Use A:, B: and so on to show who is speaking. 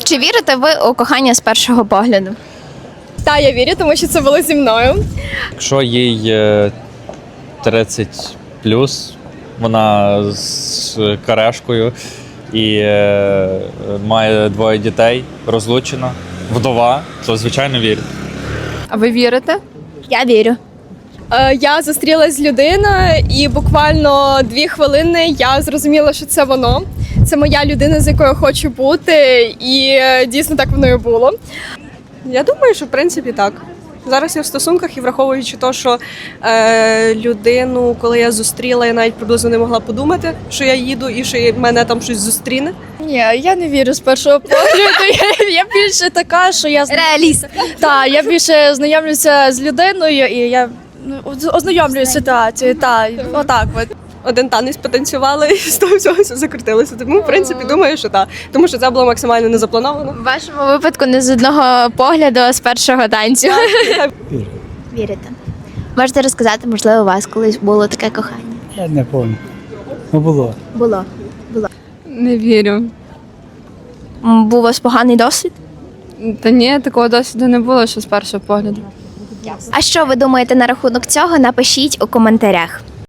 A: Чи вірите ви у кохання з першого погляду?
B: Та, я вірю, тому що це було зі мною.
C: Якщо їй 30 вона з карешкою і має 2 дітей, розлучена, вдова, то звичайно вірю.
D: А ви вірите?
A: Я вірю.
B: Я зустрілась з людиною, і буквально 2 хвилини я зрозуміла, що це воно. Це моя людина, з якою я хочу бути, і дійсно так воно і було.
E: Я думаю, що в принципі так. Зараз я в стосунках і враховуючи те, що людину, коли я зустріла, я навіть приблизно не могла подумати, що я їду і що мене там щось зустріне.
D: Ні, я не вірю з першого погляду. Я більше така, що я
A: Реаліст.
D: Так, я більше знайомлюся з людиною і я ознайомлююся з ситуацією. Так, отак от.
E: Один танець потанцювали і з того всього все закрутилося. Тому, в принципі, думаю, що так. Тому що це було максимально не заплановано.
A: В вашому випадку не з одного погляду, а з першого танцю. Вірите. Можете розказати, можливо, у вас колись було таке кохання?
F: Я не пам'ятаю. Ну було.
A: Було.
G: Не вірю.
A: Був у вас поганий досвід?
G: Та ні, такого досвіду не було, що з першого погляду.
A: А що ви думаєте на рахунок цього? Напишіть у коментарях.